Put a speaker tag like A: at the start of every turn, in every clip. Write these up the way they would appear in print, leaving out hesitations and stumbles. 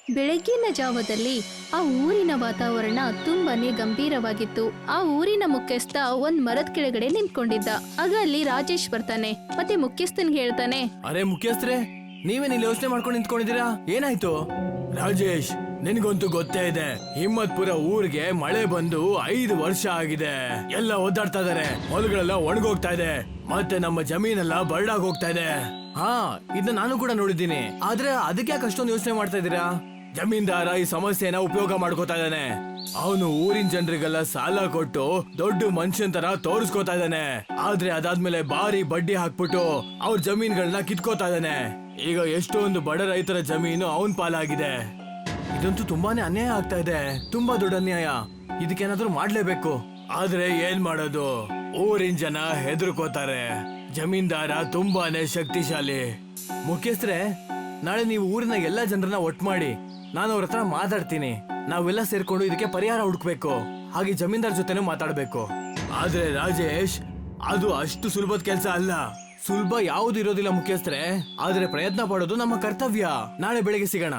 A: ಬೆಳಗ್ಗಿನ ಜಾವದಲ್ಲಿ ಆ ಊರಿನ ವಾತಾವರಣ ತುಂಬಾನೇ ಗಂಭೀರವಾಗಿತ್ತು. ಆ ಊರಿನ ಮುಖ್ಯಸ್ಥ ಒಂದ್ ಮರದ ಕೆಳಗಡೆ ನಿಂತ್ಕೊಂಡಿದ್ದ. ಆಗ ಅಲ್ಲಿ ರಾಜೇಶ್ ಬರ್ತಾನೆ ಮತ್ತೆ ಮುಖ್ಯಸ್ಥನ್ಗೆ ಹೇಳ್ತಾನೆ,
B: ಅರೆ ಮುಖ್ಯಸ್ಥರೇ, ನೀವೇನ್ ಇಲ್ಲಿ ಯೋಚನೆ ಮಾಡ್ಕೊಂಡು ನಿಂತ್ಕೊಂಡಿದ್ದೀರಾ? ಏನಾಯ್ತು? ರಾಜೇಶ್, ನಿನ್ಗಂತೂ ಗೊತ್ತೇ ಇದೆ, ಹಿಮ್ಮತ್ಪುರ ಊರಿಗೆ ಮಳೆ ಬಂದು 5 ವರ್ಷ ಆಗಿದೆ. ಎಲ್ಲ ಒದ್ದಾಡ್ತಾ ಇದಾರೆ, ಹೊಲಗಳೆಲ್ಲ ಒಣಗೋಗ್ತಾ ಇದೆ, ಮತ್ತೆ ನಮ್ಮ ಜಮೀನೆಲ್ಲ ಬರಡಾಗ್ ಹೋಗ್ತಾ ಇದೆ. ಹಾ, ಇದನ್ನ ನಾನು ಕೂಡ ನೋಡಿದ್ದೀನಿ. ಆದ್ರೆ ಅದಕ್ಕೆ ಯಾಕೆ ಅಷ್ಟೊಂದು ಯೋಚನೆ ಮಾಡ್ತಾ ಇದ್ದೀರಾ? ಜಮೀನ್ದಾರ ಈ ಸಮಸ್ಯೆನ ಉಪಯೋಗ ಮಾಡ್ಕೋತಾ ಇದ್ದಾನೆ. ಅವನು ಊರಿನ ಜನರಿಗೆಲ್ಲ ಸಾಲ ಕೊಟ್ಟು ದೊಡ್ಡ ಮನುಷ್ಯನ್ ತರ ತೋರಿಸ್ಕೋತಾ ಇದ್ದಾನೆ. ಆದ್ರೆ ಅದಾದ್ಮೇಲೆ ಭಾರಿ ಬಡ್ಡಿ ಹಾಕ್ಬಿಟ್ಟು ಅವ್ರ ಜಮೀನ್ಗಳನ್ನ ಕಿತ್ಕೋತಾ ಇದ್ದಾನೆ. ಈಗ ಎಷ್ಟೊಂದು ಬಡ ರೈತರ ಜಮೀನು ಅವನ್ ಪಾಲಾಗಿದೆ. ಇದಂತೂ ತುಂಬಾನೇ ಅನ್ಯಾಯ ಆಗ್ತಾ ಇದೆ, ತುಂಬಾ ದೊಡ್ಡ ಅನ್ಯಾಯ. ಇದಕ್ಕೇನಾದ್ರೂ ಮಾಡ್ಲೇಬೇಕು. ಆದ್ರೆ ಏನ್ ಮಾಡೋದು? ಊರಿನ ಜನ ಹೆದರ್ಕೋತಾರೆ. ಜಮೀನ್ದಾರ ತುಂಬಾನೇ ಶಕ್ತಿಶಾಲಿ. ಮುಖ್ಯಸ್ಥರೇ, ನಾಳೆ ನೀವು ಊರಿನ ಎಲ್ಲಾ ಜನರನ್ನ ಒಟ್ಟು ಮಾಡಿ, ನಾನು ಅವ್ರ ಹತ್ರ ಮಾತಾಡ್ತೀನಿ. ನಾವೆಲ್ಲ ಸೇರ್ಕೊಂಡು ಇದಕ್ಕೆ ಪರಿಹಾರ ಹುಡುಕ್ಬೇಕು. ಹಾಗೆ ಜಮೀನ್ದಾರ್ ಜೊತೆನೂ ಮಾತಾಡ್ಬೇಕು. ಆದ್ರೆ ರಾಜೇಶ್, ಅದು ಅಷ್ಟು ಸುಲಭದ ಕೆಲಸ ಅಲ್ಲ. ಸುಲಭ ಯಾವುದು ಇರೋದಿಲ್ಲ ಮುಖ್ಯಸ್ಥರೇ, ಆದ್ರೆ ಪ್ರಯತ್ನ ಪಡೋದು ನಮ್ಮ ಕರ್ತವ್ಯ. ನಾಳೆ ಬೆಳಿಗ್ಗೆ ಸಿಗೋಣ.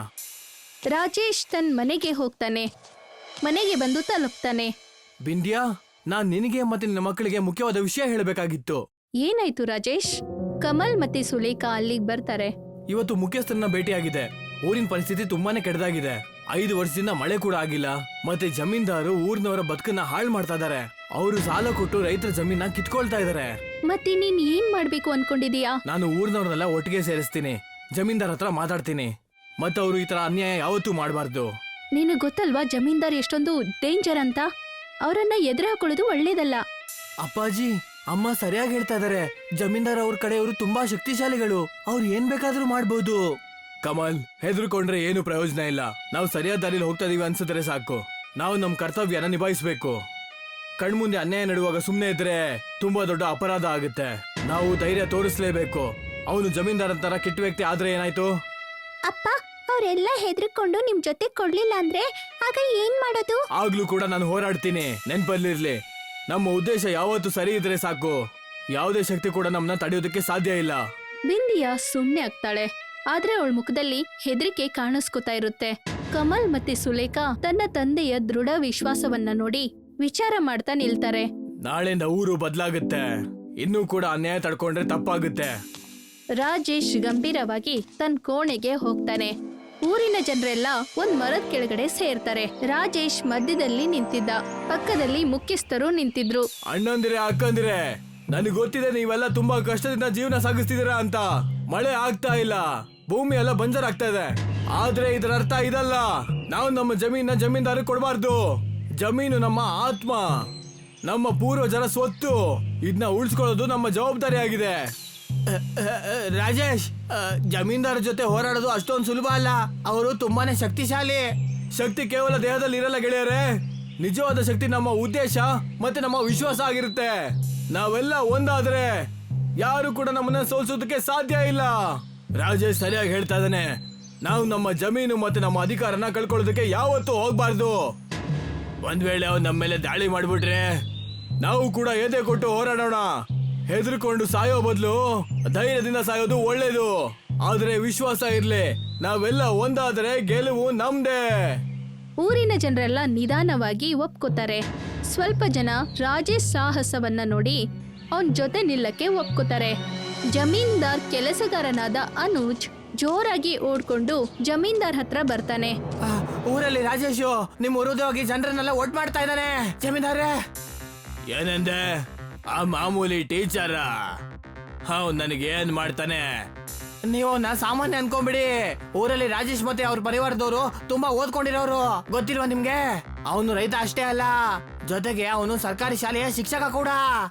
A: ರಾಜೇಶ್ ತನ್ನ ಮನೆಗೆ ಹೋಗ್ತಾನೆ. ಮನೆಗೆ ಬಂದು ತಲುಪ್ತಾನೆ.
B: ಬಿಂದ್ಯಾ, ನಾನ್ ನಿನಗೆ ಮತ್ತೆ ನಿನ್ನ ಮಕ್ಕಳಿಗೆ ಮುಖ್ಯವಾದ ವಿಷಯ ಹೇಳಬೇಕಾಗಿತ್ತು.
A: ಏನಾಯ್ತು ರಾಜೇಶ್? ಕಮಲ್ ಮತ್ತೆ ಸುಲೇಖಾ ಅಲ್ಲಿಗೆ ಬರ್ತಾರೆ.
B: ಇವತ್ತು ಮುಖ್ಯಸ್ಥರನ್ನ ಭೇಟಿಯಾಗಿದೆ. ಊರಿನ ಪರಿಸ್ಥಿತಿ ತುಂಬಾನೇ ಕೆಟ್ಟದಾಗಿದೆ. 5 ವರ್ಷದಿಂದ ಮಳೆ ಕೂಡ ಆಗಿಲ್ಲ. ಮತ್ತೆ ಜಮೀನ್ದಾರು ಊರಿನವರ ಬದುಕನ್ನ ಹಾಳು ಮಾಡ್ತಾ ಇದಾರೆ. ಅವರು ಸಾಲ ಕೊಟ್ಟು ರೈತರ ಜಮೀನ ಕಿತ್ಕೊಳ್ತಾ ಇದಾರೆ.
A: ಮತ್ತೆ ನೀನ್ ಏನ್ ಮಾಡ್ಬೇಕು ಅನ್ಕೊಂಡಿದೀಯಾ?
B: ನಾನು ಊರಿನವ್ರನ್ನೆಲ್ಲ ಒಟ್ಟಿಗೆ ಸೇರಿಸ್ತೀನಿ. ಜಮೀನ್ದಾರ್ ಹತ್ರ ಮಾತಾಡ್ತೀನಿ. ಮತ್ತೆ ಅವರು ಈ ತರ ಅನ್ಯಾಯ ಯಾವತ್ತೂ ಮಾಡಬಾರ್ದು.
A: ನಿನಗ್ ಗೊತ್ತಲ್ವಾ ಜಮೀನ್ದಾರ್ ಎಷ್ಟೊಂದು ಡೇಂಜರ್ ಅಂತ? ಅವರನ್ನ ಎದುರು ಹಾಕೊಳ್ಳೋದು ಒಳ್ಳೇದಲ್ಲ.
B: ಅಪ್ಪಾಜಿ, ಅಮ್ಮ ಸರಿಯಾಗಿ ಹೇಳ್ತಾ ಇದಾರೆ. ಜಮೀನ್ದಾರ್ ಅವ್ರ ಕಡೆಯವರು ತುಂಬಾ ಶಕ್ತಿಶಾಲಿಗಳು. ಅವ್ರು ಏನ್ ಬೇಕಾದ್ರೂ ಮಾಡ್ಬೋದು. ಕಮಲ್, ಹೆದರ್ಕೊಂಡ್ರೆ ಏನು ಪ್ರಯೋಜನ ಇಲ್ಲ. ನಾವು ಸರಿಯಾದ ದಾರಿಲಿ ಹೋಗ್ತಾ ಇದೀವಿ ಅನ್ಸಿದ್ರೆ ಸಾಕು. ನಾವು ನಮ್ ಕರ್ತವ್ಯನ ನಿಭಾಯಿಸ್ಬೇಕು. ಕಣ್ಮುಂದೆ ಅನ್ಯಾಯ ನಡುವಾಗ ಸುಮ್ನೆ ಇದ್ರೆ ತುಂಬಾ ದೊಡ್ಡ ಅಪರಾಧ ಆಗುತ್ತೆ. ನಾವು ಧೈರ್ಯ ತೋರಿಸ್ಲೇಬೇಕು. ಅವನು ಜಮೀನ್ದಾರ್ ಅಂತಾರ ಕೆಟ್ಟ ವ್ಯಕ್ತಿ ಆದ್ರೆ ಏನಾಯ್ತು?
A: ಅಪ್ಪ, ಅವರೆಲ್ಲ ಹೆದರ್ಕೊಂಡು ನಿಮ್ ಜೊತೆ ಕೊಡ್ಲಿಲ್ಲ ಅಂದ್ರೆ ಆಗ ಏನ್ ಮಾಡೋದು?
B: ಆಗ್ಲೂ ಕೂಡ ನಾನು ಹೋರಾಡ್ತೀನಿ. ನೆನ್ಪಲ್ಲಿರ್ಲಿ, ನಮ್ಮ ಉದ್ದೇಶ ಯಾವತ್ತೂ ಸರಿ ಇದ್ರೆ ಸಾಕು. ಯಾವುದೇ ಶಕ್ತಿ ಕೂಡ ನಮ್ಮನ್ನ ತಡೆಯೋದಕ್ಕೆ ಸಾಧ್ಯ ಇಲ್ಲ.
A: ಬಿಂದಿಯಾ ಸುಮ್ನೆ ಆಗ್ತಾಳೆ. ಆದ್ರೆ ಅವಳ ಮುಖದಲ್ಲಿ ಹೆದರಿಕೆ ಕಾಣಿಸ್ಕೊತಾ ಇರುತ್ತೆ. ಕಮಲ್ ಮತ್ತೆ ಸುಲೇಖಾ ತನ್ನ ತಂದೆಯ ದೃಢ ವಿಶ್ವಾಸವನ್ನ ನೋಡಿ ವಿಚಾರ ಮಾಡ್ತಾ ನಿಲ್ತಾರೆ.
B: ನಾಳೆಯಿಂದ ಊರು ಬದಲಾಗುತ್ತೆ. ಇನ್ನೂ ಕೂಡ ಅನ್ಯಾಯ ತಡ್ಕೊಂಡ್ರೆ ತಪ್ಪಾಗುತ್ತೆ.
A: ರಾಜೇಶ್ ಗಂಭೀರವಾಗಿ ತನ್ನ ಕೋಣೆಗೆ ಹೋಗ್ತಾನೆ. ಊರಿನ ಜನರೆಲ್ಲ ಒಂದ್ ಮರದ ಕೆಳಗಡೆ ಸೇರ್ತಾರೆ. ರಾಜೇಶ್ ಮಧ್ಯದಲ್ಲಿ ನಿಂತಿದ್ದ. ಪಕ್ಕದಲ್ಲಿ ಮುಖ್ಯಸ್ಥರು ನಿಂತಿದ್ರು.
B: ಅಣ್ಣಂದಿರೆ, ಅಕ್ಕಂದಿರೆ, ನನಗೆ ಗೊತ್ತಿದೆ ನೀವೆಲ್ಲ ತುಂಬಾ ಕಷ್ಟದಿಂದ ಜೀವನ ಸಾಗಿಸ್ತಿದ್ದೀರಾ ಅಂತ. ಮಳೆ ಆಗ್ತಾ ಇಲ್ಲ, ಭೂಮಿ ಎಲ್ಲ ಬಂಜರ್ ಆಗ್ತಾ ಇದೆ. ಆದ್ರೆ ಇದರ ಅರ್ಥ ಇದಲ್ಲ. ನಾವು ನಮ್ಮ ಜಮೀನ ಜಮೀನ್ದಾರ ಕೊಡಬಾರ್ದು. ಜಮೀನು ನಮ್ಮ ಆತ್ಮ, ನಮ್ಮ ಪೂರ್ವಜರ ಸ್ವತ್ತು. ಇದನ್ನ ಉಳಿಸ್ಕೊಳ್ಳೋದು ನಮ್ಮ ಜವಾಬ್ದಾರಿ ಆಗಿದೆ. ರಾಜೇಶ್, ಜಮೀನ್ದಾರ ಜೊತೆ ಹೋರಾಡೋದು ಅಷ್ಟೊಂದು ಸುಲಭ ಅಲ್ಲ. ಅವರು ತುಂಬಾನೇ ಶಕ್ತಿಶಾಲಿ. ಶಕ್ತಿ ಕೇವಲ ದೇಹದಲ್ಲಿ ಇರಲ್ಲ ಗೆಳೆಯರೇ. ನಿಜವಾದ ಶಕ್ತಿ ನಮ್ಮ ಉದ್ದೇಶ ಮತ್ತೆ ನಮ್ಮ ವಿಶ್ವಾಸ ಆಗಿರುತ್ತೆ. ನಾವೆಲ್ಲ ಒಂದಾದ್ರೆ ಯಾರು ಕೂಡ ನಮ್ಮನ್ನ ಸೋಲ್ಸೋದಕ್ಕೆ ಸಾಧ್ಯ ಇಲ್ಲ. ರಾಜೇಶ್ ಸರಿಯಾಗಿ ಹೇಳ್ತಾ ಇದ್ದಾನೆ. ನಾವು ನಮ್ಮ ಜಮೀನು ಮತ್ತೆ ನಮ್ಮ ಅಧಿಕಾರನ ಕಳ್ಕೊಳ್ಳೋದಕ್ಕೆ ಯಾವತ್ತೂ ಹೋಗ್ಬಾರ್ದು. ಒಂದ್ ವೇಳೆ ಅವ್ರು ನಮ್ಮ ಮೇಲೆ ದಾಳಿ ಮಾಡ್ಬಿಟ್ರೆ ನಾವು ಕೂಡ ಎದೆ ಕೊಟ್ಟು ಹೋರಾಡೋಣ. ಹೆದರ್ಕೊಂಡು ಸಾಯೋ ಬದಲು ಧೈರ್ಯದಿಂದ ಸಾಯೋದು ಒಳ್ಳೇದು. ಆದ್ರೆ ವಿಶ್ವಾಸ ಇರ್ಲಿ, ನಾವೆಲ್ಲ ಒಂದಾದ್ರೆ ಗೆಲುವು ನಮ್ದೇ.
A: ಊರಿನ ಜನರೆಲ್ಲ ನಿಧಾನವಾಗಿ ಒಪ್ಕೋತಾರೆ. ಸ್ವಲ್ಪ ಜನ ರಾಜೇಶ್ ಸಾಹಸವನ್ನ ನೋಡಿ ಅವನ್ ಜೊತೆ ನಿಲ್ಲಕ್ಕೆ ಒಪ್ಕೋತಾರೆ. ಜಮೀನ್ದಾರ್ ಕೆಲಸಗಾರನಾದ ಅನುಜ್ ಜೋರಾಗಿ ಓಡ್ಕೊಂಡು ಜಮೀನ್ದಾರ್ ಹತ್ರ ಬರ್ತಾನೆ.
B: ಊರಲ್ಲಿ ರಾಜೇಶು ನಿಮ್ ವಿರೋಧವಾಗಿ ಜನರನ್ನೆಲ್ಲ ಒಟ್ಟು ಮಾಡ್ತಾ ಇದ್ದಾನೆ. ಜಮೀನ್ದಾರೇ, ಏನಂದೆ? ಆ ಮಾಮೂಲಿ ಟೀಚರ ನನಗೆ ಏನ್ ಮಾಡ್ತಾನೆ? ನೀವು ನಾ ಸಾಮಾನ್ಯ ಅನ್ಕೊಂಬಿಡಿ. ಊರಲ್ಲಿ ರಾಜೇಶ್ ಮತ್ತೆ ಅವ್ರ ಪರಿವಾರದವರು ತುಂಬಾ ಓದ್ಕೊಂಡಿರೋರು, ಗೊತ್ತಿಲ್ವಾ ನಿಮ್ಗೆ? ಅವನು ರೈತ ಅಷ್ಟೇ ಅಲ್ಲ, ಜೊತೆಗೆ ಅವನು ಸರ್ಕಾರಿ ಶಾಲೆಯ ಶಿಕ್ಷಕ ಕೂಡ.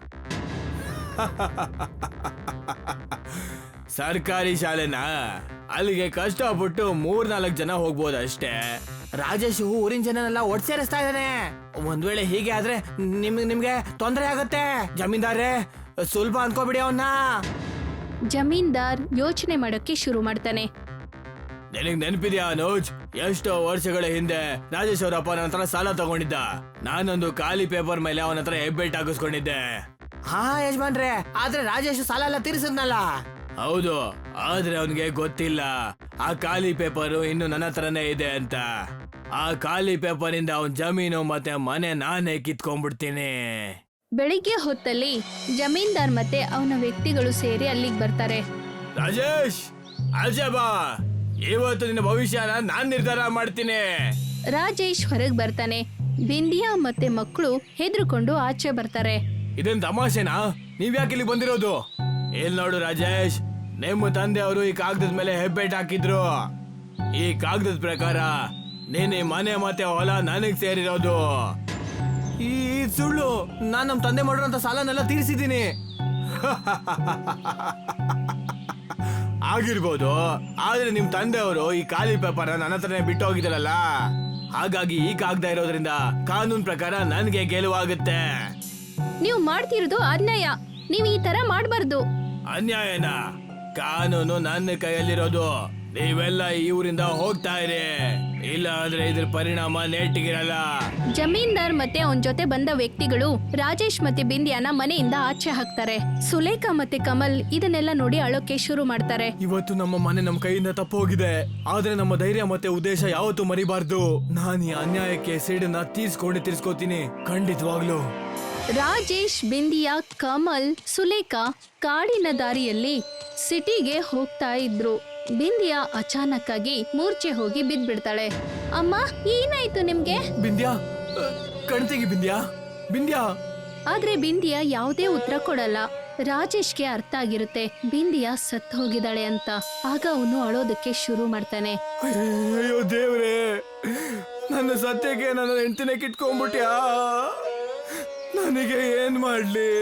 B: ಸರ್ಕಾರಿ ಶಾಲೆನಾ? ಅಲ್ಲಿಗೆ ಕಷ್ಟಪಟ್ಟು 3-4 ಜನ ಹೋಗ್ಬೋದು ಅಷ್ಟೇ. ರಾಜೇಶ್ ಊರಿನ ಜನನೆಲ್ಲ ಒಟ್ಟು ಸೇರಿಸ್ತಾ ಇದ್ದಾನೆ. ಒಂದ್ ವೇಳೆ ಹೀಗೆ ಆದ್ರೆ ನಿಮ್ಗೆ ತೊಂದರೆ ಆಗುತ್ತೆ. ಜಮೀನ್ದಾರೇ, ಸುಲಭ ಅನ್ಕೋಬಿಡಿ ಅವನ್ನ.
A: ಜಮೀನ್ದಾರ್ ಯೋಚನೆ ಮಾಡೋಕೆ ಶುರು ಮಾಡ್ತಾನೆ.
B: ನಿನಗ್ ನೆನಪಿದ್ಯಾ ಅನುಜ್? ಎಷ್ಟೋ ವರ್ಷಗಳ ಹಿಂದೆ ರಾಜೇಶ್ ಅವರ ಅಪ್ಪ ನನ್ನ ಹತ್ರ ಸಾಲ ತಗೊಂಡಿದ್ದ. ನಾನೊಂದು ಖಾಲಿ ಪೇಪರ್ ಮೇಲೆ ಅವನ ಹತ್ರ ಹೆಬ್ಬೆಟ್ ಹಾಕಿಸ್ಕೊಂಡಿದ್ದೆ. ಹಾ ಯಜಮಾನ್ರೆ, ಆದ್ರೆ ರಾಜೇಶ್ ಸಾಲ ಎಲ್ಲ ತೀರಿಸಿದ್ನಲ್ಲ. ಹೌದು, ಆದ್ರೆ ಅವನಿಗೆ ಗೊತ್ತಿಲ್ಲ ಆ ಖಾಲಿ ಪೇಪರು ಇನ್ನು ನನ್ನ ಹತ್ರನೇ ಇದೆ ಅಂತ. ಆ ಖಾಲಿ ಪೇಪರ್ ಇಂದ ಅವನ್ ಜಮೀನು ಮತ್ತೆ ಮನೆ ನಾನೇ ಕಿತ್ಕೊಂಡ್ಬಿಡ್ತೀನಿ.
A: ಬೆಳಿಗ್ಗೆ ಹೊತ್ತಲ್ಲಿ ಜಮೀನ್ದಾರ್ ಮತ್ತೆ ಅವನ ವ್ಯಕ್ತಿಗಳು ಸೇರಿ ಅಲ್ಲಿಗೆ ಬರ್ತಾರೆ.
B: ರಾಜೇಶ್, ಆಚೆ ಬಾ, ಇವತ್ತು ನಿನ್ನ ಭವಿಷ್ಯನ ನಾನ್ ನಿರ್ಧಾರ ಮಾಡ್ತೀನಿ.
A: ರಾಜೇಶ್ ಹೊರಗೆ ಬರ್ತಾನೆ. ಬಿಂದಿಯಾ ಮತ್ತೆ ಮಕ್ಕಳು ಹೆದರ್ಕೊಂಡು ಆಚೆ ಬರ್ತಾರೆ.
B: ಇದನ್ ತಮಾಷೆನಾ? ನೀವ್ ಯಾಕೆ ಇಲ್ಲಿ ಬಂದಿರೋದು? ಏನ್ ನೋಡು ರಾಜೇಶ್, ನಿಮ್ಮ ತಂದೆ ಅವರು ಈ ಕಾಗದದ ಮೇಲೆ ಹೆಬ್ಬೆಟ್ ಹಾಕಿದ್ರು. ಈ ಕಾಗದದ ಪ್ರಕಾರ ನೀನ್ ಈ ಮನೆ ಮತ್ತೆ ಹೊಲ ನನಗ್ ಸೇರಿರೋದು. ಈ ಸುಳ್ಳು. ನಾನ್ ನಮ್ ತಂದೆ ಮಾಡಿರೋಂತ ಸಾಲನೆಲ್ಲ ತೀರಿಸಿದ್ದೀನಿ. ಆಗಿರ್ಬೋದು, ಆದ್ರೆ ನಿಮ್ ತಂದೆ ಅವರು ಈ ಖಾಲಿ ಪೇಪರ್ ನನ್ನ ಹತ್ರನೇ ಬಿಟ್ಟು ಹೋಗಿದಾರಲ್ಲ, ಹಾಗಾಗಿ ಈ ಕಾಗದ ಇರೋದ್ರಿಂದ ಕಾನೂನ್ ಪ್ರಕಾರ ನನ್ಗೆ ಗೆಲುವಾಗುತ್ತೆ.
A: ನೀವು ಮಾಡ್ತಿರೋದು ಅನ್ಯಾಯ. ನೀವು ಈ ತರ ಮಾಡಬಾರ್ದು.
B: ಅನ್ಯಾಯನ? ಕಾನೂನು ನನ್ನ ಕೈಯಲ್ಲಿರೋದು. ನೀವೆಲ್ಲ ಈ ಊರಿಂದ ಹೋಗ್ತಾ ಇರಿ, ಇಲ್ಲ ಅಂದ್ರೆ ಇದ್ರ ಪರಿಣಾಮ ನೆಟ್ಟಿಗಿರಲ್ಲ.
A: ಜಮೀನ್ದಾರ್ ಮತ್ತೆ ಅವನ್ ಜೊತೆ ಬಂದ ವ್ಯಕ್ತಿಗಳು ರಾಜೇಶ್ ಮತ್ತೆ ಬಿಂದಿಯಾನ ಮನೆಯಿಂದ ಆಚೆ ಹಾಕ್ತಾರೆ. ಸುಲೇಖಾ ಮತ್ತೆ ಕಮಲ್ ಇದನ್ನೆಲ್ಲ ನೋಡಿ ಅಳೋಕೆ ಶುರು ಮಾಡ್ತಾರೆ.
B: ಇವತ್ತು ನಮ್ಮ ಮನೆ ನಮ್ಮ ಕೈಯಿಂದ ತಪ್ಪೋಗಿದೆ, ಆದ್ರೆ ನಮ್ಮ ಧೈರ್ಯ ಮತ್ತೆ ಉದ್ದೇಶ ಯಾವತ್ತೂ ಮರಿಬಾರ್ದು. ನಾನು ಈ ಅನ್ಯಾಯಕ್ಕೆ ಸೇಡನ್ನ ತೀರ್ಸ್ಕೋತೀನಿ, ಖಂಡಿತವಾಗ್ಲು.
A: ರಾಜೇಶ್, ಬಿಂದಿಯಾ, ಕಮಲ್, ಸುಲೇಖಾ ಕಾಡಿನ ದಾರಿಯಲ್ಲಿ ಸಿಟಿಗೆ ಹೋಗ್ತಾ ಇದ್ರು. ಬಿಂದಿಯಾ ಅಚಾನಕ್ ಆಗಿ ಮೂರ್ಛೆ ಹೋಗಿ ಬಿದ್ಬಿಡ್ತಾಳೆ. ಅಮ್ಮ, ಏನಾಯ್ತು ನಿಮ್ಗೆ?
B: ಬಿಂದ್ಯಾ, ಕಣ್ತೆಗಿ ಬಿಂದ್ಯಾ, ಬಿಂದ್ಯಾ.
A: ಆದ್ರೆ ಬಿಂದಿಯಾ ಯಾವುದೇ ಉತ್ತರ ಕೊಡಲ್ಲ. ರಾಜೇಶ್ಗೆ ಅರ್ಥ ಆಗಿರುತ್ತೆ ಬಿಂದಿಯಾ ಸತ್ತು ಹೋಗಿದ್ದಾಳೆ ಅಂತ. ಆಗ ಅವನು ಅಳೋದಕ್ಕೆ ಶುರು ಮಾಡ್ತಾನೆ.
B: ಅಯ್ಯೋ ದೇವ್ರೇ, ನನ್ನ ಸತ್ಯಕ್ಕೆ ನನ್ನ ಹೆಂಡತಿನೇ ಕಿಟ್ಕೊಂಡ್ಬಿಟ್ಯಾ, ನನಗೆ ಏನ್ ಮಾಡ್ಲಿ?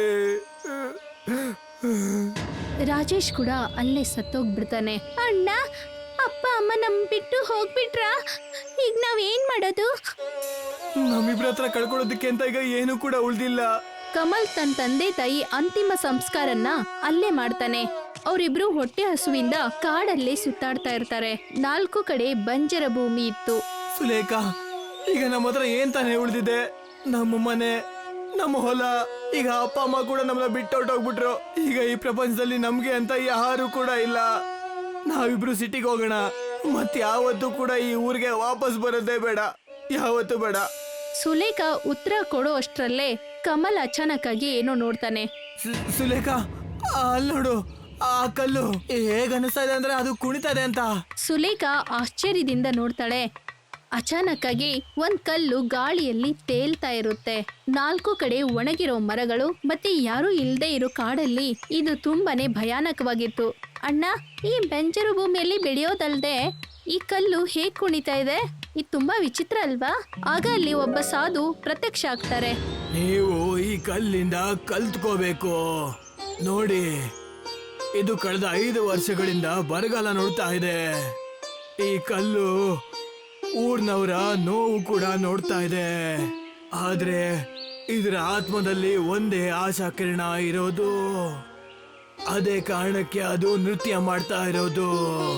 A: ರಾಜೇಶ್ ಕೂಡ ಅಲ್ಲೇ ಸತ್ತೋಗ್ಬಿಡ್ತಾನೆ. ಅಣ್ಣ, ಅಪ್ಪ ಅಮ್ಮ ನಮ್ ಬಿಟ್ಟು ಹೋಗ್ಬಿಟ್ರ, ಈಗ ನಾವ್ ಏನ್ ಮಾಡೋದು?
B: ನಮ್ಮಿಬ್ರ ಹತ್ರ ಕಳ್ಕೊಳ್ಳೋದಕ್ಕೆ ಅಂತ ಈಗ ಏನು ಕೂಡ ಉಳ್ದಿಲ್ಲ.
A: ಕಮಲ್ ತನ್ನ ತಂದೆ ತಾಯಿ ಅಂತಿಮ ಸಂಸ್ಕಾರನ ಅಲ್ಲೇ ಮಾಡ್ತಾನೆ. ಅವರಿಬ್ರು ಹೊಟ್ಟೆ ಹಸುವಿಂದ ಕಾಡಲ್ಲೇ ಸುತ್ತಾಡ್ತಾ ಇರ್ತಾರೆ. 4 ಕಡೆ ಬಂಜರ ಭೂಮಿ ಇತ್ತು.
B: ಸುಲೇಖಾ, ಈಗ ನಮ್ಮ ಹತ್ರ ಏನ್ ತಾನೇ ಉಳ್ದಿದೆ? ನಮ್ಮ ಮನೆ, ನಮ್ಮ ಹೊಲ. ಈಗ ಅಪ್ಪ ಅಮ್ಮ ಕೂಡ ನಮ್ಮನ್ನ ಬಿಟ್ಟೊಟ್ಟೋಗ್ಬಿಟ್ರು. ಈಗ ಈ ಪ್ರಪಂಚದಲ್ಲಿ ನಮ್ಗೆ ಅಂತ ಯಾರು ಕೂಡ ಇಲ್ಲ. ನಾವಿಬ್ರು ಸಿಟಿಗೆ ಹೋಗೋಣ, ಮತ್ ಯಾವತ್ತೂ ಕೂಡ ಈ ಊರಿಗೆ ವಾಪಸ್ ಬರೋದೇ ಬೇಡ, ಯಾವತ್ತೂ ಬೇಡ.
A: ಸುಲೇಖಾ ಉತ್ತರ ಕೊಡೋ ಅಷ್ಟ್ರಲ್ಲೇ ಕಮಲ್ ಅಚಾನಕ್ ಆಗಿ ಏನೋ ನೋಡ್ತಾನೆ.
B: ಸುಲೇಖಾ, ಅಲ್ಲಿ ನೋಡು, ಆ ಕಲ್ಲು ಹೇಗ ಅನಿಸ್ತಾ ಇದೆ ಅಂದ್ರೆ ಅದು ಕುಣಿತಾ ಇದೆ ಅಂತ.
A: ಸುಲೇಖಾ ಆಶ್ಚರ್ಯದಿಂದ ನೋಡ್ತಾಳೆ. ಅಚಾನಕ್ ಆಗಿ ಒಂದ್ ಕಲ್ಲು ಗಾಳಿಯಲ್ಲಿ ತೇಲ್ತಾ ಇರುತ್ತೆ. 4 ಕಡೆ ಒಣಗಿರೋ ಮರಗಳು ಮತ್ತೆ ಯಾರು ಇಲ್ದೇ ಇರೋ ಕಾಡಲ್ಲಿ ಇದು ತುಂಬಾನೇ ಭಯಾನಕವಾಗಿತ್ತು. ಅಣ್ಣ, ಈ ಬೆಂಜರು ಭೂಮಿಯಲ್ಲಿ ಬೆಳೆಯೋದಲ್ದೆ ಈ ಕಲ್ಲು ಹೇಗ್ ಕುಣಿತಾ ಇದೆ? ಇದು ತುಂಬಾ ವಿಚಿತ್ರ ಅಲ್ವಾ? ಆಗ ಅಲ್ಲಿ ಒಬ್ಬ ಸಾಧು ಪ್ರತ್ಯಕ್ಷ ಆಗ್ತಾರೆ.
B: ನೀವು ಈ ಕಲ್ಲಿಂದ ಕಲ್ತ್ಕೋಬೇಕು. ನೋಡಿ, ಇದು ಕಳೆದ 5 ವರ್ಷಗಳಿಂದ ಬರಗಾಲ ನೋಡ್ತಾ ಇದೆ. ಈ ಕಲ್ಲು ಊರ್ನವರ ನೋವು ಕೂಡ ನೋಡ್ತಾ ಇದೆ. ಆದ್ರೆ ಇದರ ಆತ್ಮದಲ್ಲಿ ಒಂದೇ ಆಶಾ ಕಿರಣ ಇರೋದು. ಅದೇ ಕಾರಣಕ್ಕೆ ಅದು ನೃತ್ಯ ಮಾಡ್ತಾ ಇರೋದು.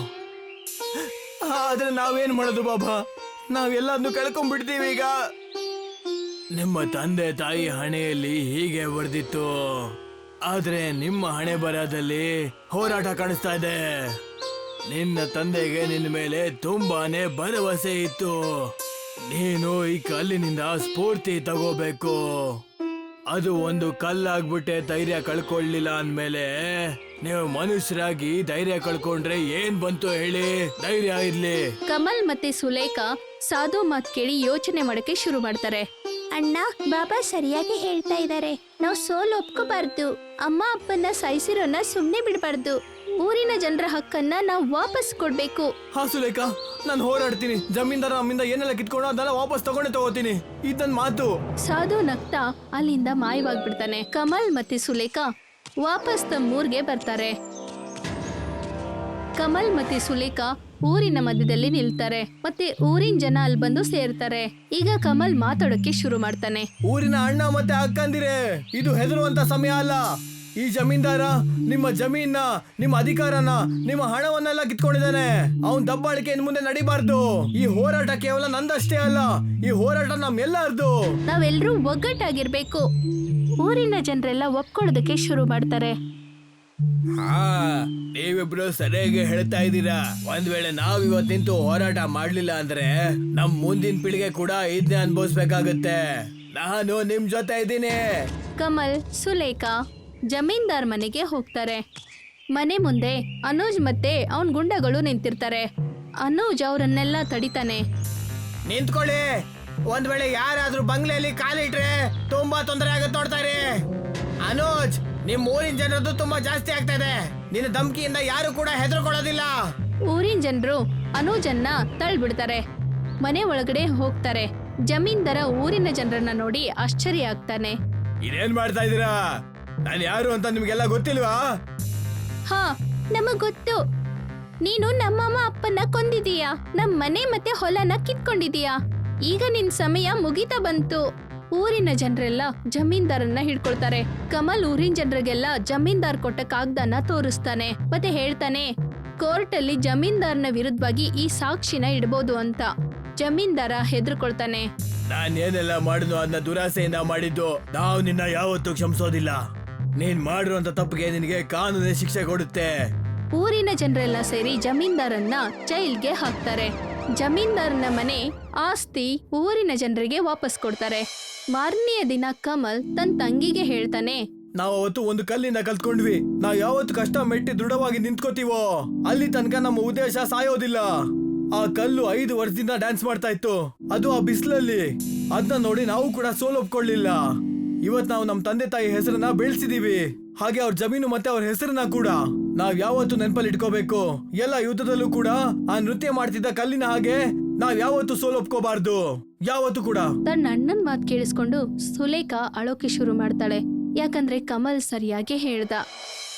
B: ಆದ್ರೆ ನಾವೇನ್ ಮಾಡೋದು ಬಾಬಾ? ನಾವೆಲ್ಲದನ್ನು ಕಳ್ಕೊಂಡ್ಬಿಡ್ತೀವಿ ಈಗ. ನಿಮ್ಮ ತಂದೆ ತಾಯಿ ಹಣೆಯಲ್ಲಿ ಹೀಗೆ ಬರ್ದಿತ್ತು, ಆದ್ರೆ ನಿಮ್ಮ ಹಣೆ ಬರಹದಲ್ಲಿ ಹೋರಾಟ ಕಾಣಿಸ್ತಾ ಇದೆ. ನಿನ್ನ ತಂದೆಗೆ ನಿನ್ನ ಮೇಲೆ ತುಂಬಾನೇ ಭರವಸೆ ಇತ್ತು. ನೀನು ಈ ಕಲ್ಲಿನಿಂದ ಸ್ಫೂರ್ತಿ ತಗೋಬೇಕು. ಅದು ಒಂದು ಕಲ್ಲಾಗ್ಬಿಟ್ಟೆ ಧೈರ್ಯ ಕಳ್ಕೊಳ್ಳಿಲ್ಲ ಅಂದ್ಮೇಲೆ ನೀವು ಮನುಷ್ಯರಾಗಿ ಧೈರ್ಯ ಕಳ್ಕೊಂಡ್ರೆ ಏನ್ ಬಂತು ಹೇಳಿ? ಧೈರ್ಯ ಇರ್ಲಿ.
A: ಕಮಲ್ ಮತ್ತೆ ಸುಲೇಖಾ ಸಾಧು ಮಾತ್ ಕೇಳಿ ಯೋಚನೆ ಮಾಡಕ್ಕೆ ಶುರು ಮಾಡ್ತಾರೆ. ಅಣ್ಣ, ಬಾಬಾ ಸರಿಯಾಗಿ ಹೇಳ್ತಾ ಇದ್ದಾರೆ. ನಾವು ಸೋಲು ಒಪ್ಕೋಬಾರ್ದು. ಅಮ್ಮ ಅಪ್ಪನ ಸಾಯಿಸಿರೋನ್ನ ಸುಮ್ನೆ ಬಿಡಬಾರ್ದು. ಊರಿನ ಜನರ ಹಕ್ಕನ್ನ ನಾವು ವಾಪಸ್ ಕೊಡ್ಬೇಕು.
B: ಹಾ ಸುಲೇಖಾ, ನಾನು ಹೋರಾಡ್ತೀನಿ. ಜಮೀನ್ದಾರ ನಮ್ಮಿಂದ ಏನೆಲ್ಲ ಕಿತ್ಕೊಂಡು ಅದನ್ನೆಲ್ಲ ವಾಪಸ್ ತಗೋತೀನಿ. ಇದನ್ ಮಾತು.
A: ಸಾಧು ನಗ್ತಾ ಅಲ್ಲಿಂದ ಮಾಯವಾಗ್ಬಿಡ್ತಾನೆ. ಕಮಲ್ ಮತ್ತೆ ಸುಲೇಖಾ ವಾಪಸ್ ತಮ್ಮ ಊರ್ಗೆ ಬರ್ತಾರೆ. ಕಮಲ್ ಮತ್ತೆ ಸುಲೇಖಾ ಊರಿನ ಮಧ್ಯದಲ್ಲಿ ನಿಲ್ತಾರೆ. ಮತ್ತೆ ಊರಿನ ಜನ ಅಲ್ಲಿ ಬಂದು ಸೇರ್ತಾರೆ. ಈಗ ಕಮಲ್ ಮಾತಾಡೋಕೆ ಶುರು ಮಾಡ್ತಾನೆ.
B: ಊರಿನ ಅಣ್ಣ ಮತ್ತೆ ಅಕ್ಕಂದಿರೆ, ಇದು ಹೆದರುವಂತ ಸಮಯ ಅಲ್ಲ. ಈ ಜಮೀನ್ದಾರ ನಿಮ್ಮ ಜಮೀನ, ನಿಮ್ಮ ಅಧಿಕಾರನ, ನಿಮ್ಮ ಹಣವನ್ನೆಲ್ಲ ಕಿತ್ಕೊಂಡಿದ್ದಾನೆ. ಅವನ್ ದಬ್ಬಾಳಿಕೆ ಇನ್ ಮುಂದೆ ನಡಿಬಾರ್ದು. ಈ ಹೋರಾಟ ಕೇವಲ ನಂದಷ್ಟೇ ಅಲ್ಲ, ಈ ಹೋರಾಟ ನಮ್ಮೆಲ್ಲರದು.
A: ನಾವೆಲ್ಲರೂ ಒಗ್ಗಟ್ಟಾಗಿರ್ಬೇಕು. ಊರಿನ ಜನರೆಲ್ಲ ಒಪ್ಕೊಳ್ಳೋದಕ್ಕೆ ಶುರು ಮಾಡ್ತಾರೆ.
B: ಹಾ, ನೀವಿಬ್ರು ಸರಿಯಾಗಿ ಹೇಳ್ತಾ ಇದ್ದೀರಾ. ಒಂದ್ ವೇಳೆ ನಾವ್ ಇವತ್ ನಿಂತು ಹೋರಾಟ ಮಾಡ್ಲಿಲ್ಲ ಅಂದ್ರೆ ನಮ್ ಮುಂದಿನ ಪೀಳಿಗೆ ಕೂಡ ಇದನ್ನೇ ಅನ್ಭವಿಸ್ಬೇಕಾಗತ್ತೆ. ನಾನು ನಿಮ್ ಜೊತೆ ಇದ್ದೀನಿ.
A: ಕಮಲ್ ಸುಲೇಖಾ ಜಮೀನ್ದಾರ್ ಮನೆಗೆ ಹೋಗ್ತಾರೆ. ಮನೆ ಮುಂದೆ ಅನೂಜ್ ಮತ್ತೆ ಅವನ್ ಗುಂಡಗಳು ನಿಂತಿರ್ತಾರೆ. ಅನೂಜ್ ಅವರನ್ನೆಲ್ಲ ತಡಿತಾನೆ.
B: ನಿಂತ್ಕೊಳ್ಳಿ. ಒಂದ್ ವೇಳೆ ಯಾರಾದ್ರೂ ಬಂಗ್ಲೆಯಲ್ಲಿ ಕಾಲಿಟ್ರೆ ತುಂಬಾ ತೊಂದರೆ ಆಗತ್ತೆ ನೋಡ್ತಾರೆ. ಅನೂಜ್, ನಿಮ್ ಊರಿನ ಜನರದ್ದು ತುಂಬಾ ಜಾಸ್ತಿ ಆಗ್ತಾ ಇದೆ. ನಿನ್ನ ಧಮ್ಕಿಯಿಂದ ಯಾರು ಕೂಡ ಹೆದರ್ಕೊಳ್ಳೋದಿಲ್ಲ.
A: ಊರಿನ ಜನರು ಅನೂಜನ್ನ ತಳ್ಬಿಡ್ತಾರೆ. ಮನೆ ಒಳಗಡೆ ಹೋಗ್ತಾರೆ. ಜಮೀನ್ದಾರ ಊರಿನ ಜನರನ್ನ ನೋಡಿ ಆಶ್ಚರ್ಯ ಆಗ್ತಾನೆ.
B: ಇದೇನ್ ಮಾಡ್ತಾ ಇದೀರಾ? ನಾನು ಯಾರು ಅಂತ ನಿಮ್ಗೆಲ್ಲ ಗೊತ್ತಿಲ್ವಾ?
A: ಹಾ, ನಮಗ್ ಗೊತ್ತು. ನೀನು ನಮ್ಮಮ್ಮ ಅಪ್ಪನ ಕೊಂದಿದೀಯಾ, ನಮ್ ಮನೆ ಮತ್ತೆ ಹೊಲನ ಕಿತ್ಕೊಂಡಿದೀಯಾ. ಈಗ ನಿನ್ ಸಮಯ ಮುಗಿತಾ ಬಂತು. ಊರಿನ ಜನರೆಲ್ಲ ಜಮೀನ್ದಾರನ್ನ ಹಿಡ್ಕೊಳ್ತಾರೆ. ಕಮಲ್ ಊರಿನ ಜನರಿಗೆಲ್ಲ ಜಮೀನ್ದಾರ್ ಕೊಟ್ಟ ಕಾಗ್ದಾನ ತೋರಿಸ್ತಾನೆ. ಮತ್ತೆ ಹೇಳ್ತಾನೆ, ಕೋರ್ಟ್ ಅಲ್ಲಿ ಜಮೀನ್ದಾರ್ನ ವಿರುದ್ಧವಾಗಿ ಈ ಸಾಕ್ಷಿನ ಇಡ್ಬೋದು ಅಂತ. ಜಮೀನ್ದಾರ ಹೆದರ್ಕೊಳ್ತಾನೆ.
B: ನಾನ್ ಏನೆಲ್ಲ ಮಾಡಿದ್ನು ಅದನ್ನ ದುರಾಸೆಯಿಂದ ಮಾಡಿದ್ದು. ನಾವು ನಿನ್ನ ಯಾವತ್ತೂ ಕ್ಷಮಿಸೋದಿಲ್ಲ. ನೀನ್ ಮಾಡಿರುವಂತ ತಪ್ಪಿಗೆ ನಿನಗೆ ಕಾನೂನೇ ಶಿಕ್ಷೆ ಕೊಡುತ್ತೆ.
A: ಊರಿನ ಜನರೆಲ್ಲ ಸೇರಿ ಜಮೀನ್ದಾರನ್ನ ಜೈಲ್ಗೆ ಹಾಕ್ತಾರೆ. ಜಮೀನ್ದಾರನ ಮನೆ ಆಸ್ತಿ ಊರಿನ ಜನರಿಗೆ ವಾಪಸ್ ಕೊಡ್ತಾರೆ. ಮಾರನೆಯ ದಿನ ಕಮಲ್ ತನ್ನ ತಂಗಿಗೆ ಹೇಳ್ತಾನೆ,
B: ನಾವು ಅವತ್ತು ಒಂದು ಕಲ್ಲಿಂದ ಕಲ್ತ್ಕೊಂಡ್ವಿ. ನಾವ್ ಯಾವತ್ತು ಕಷ್ಟ ಮೆಟ್ಟಿ ದೃಢವಾಗಿ ನಿಂತ್ಕೋತೀವೋ ಅಲ್ಲಿ ತನಕ ನಮ್ಮ ಉದ್ದೇಶ ಸಾಯೋದಿಲ್ಲ. ಆ ಕಲ್ಲು 5 ವರ್ಷದಿಂದ ಡ್ಯಾನ್ಸ್ ಮಾಡ್ತಾ ಇತ್ತು, ಅದು ಆ ಬಿಸಿಲಲ್ಲಿ. ಅದನ್ನ ನೋಡಿ ನಾವು ಕೂಡ ಸೋಲೊಪ್ಕೊಳ್ಳಿಲ್ಲ. ಇವತ್ ನಾವು ನಮ್ ತಂದೆ ತಾಯಿ ಹೆಸರನ್ನ ಬೆಳೆಸಿದೀವಿ, ಹಾಗೆ ಅವ್ರ ಜಮೀನು ಮತ್ತೆ ಅವ್ರ ಹೆಸರನ್ನ ಕೂಡ ನಾವ್ ಯಾವತ್ತು ನೆನಪಲ್ಲಿ ಇಟ್ಕೋಬೇಕು. ಎಲ್ಲ ಯುದ್ಧದಲ್ಲೂ ಕೂಡ ಆ ನೃತ್ಯ ಮಾಡ್ತಿದ್ದ ಕಲ್ಲಿನ ಹಾಗೆ ನಾವ್ ಯಾವತ್ತು ಸೋಲೊಪ್ಕೋಬಾರ್ದು, ಯಾವತ್ತು ಕೂಡ.
A: ತನ್ನ ಅಣ್ಣನ್ ಮಾತು ಕೇಳಿಸ್ಕೊಂಡು ಸುಲೇಖಾ ಅಳೋಕೆ ಶುರು ಮಾಡ್ತಾಳೆ. ಯಾಕಂದ್ರೆ ಕಮಲ್ ಸರಿಯಾಗಿ ಹೇಳ್ದ.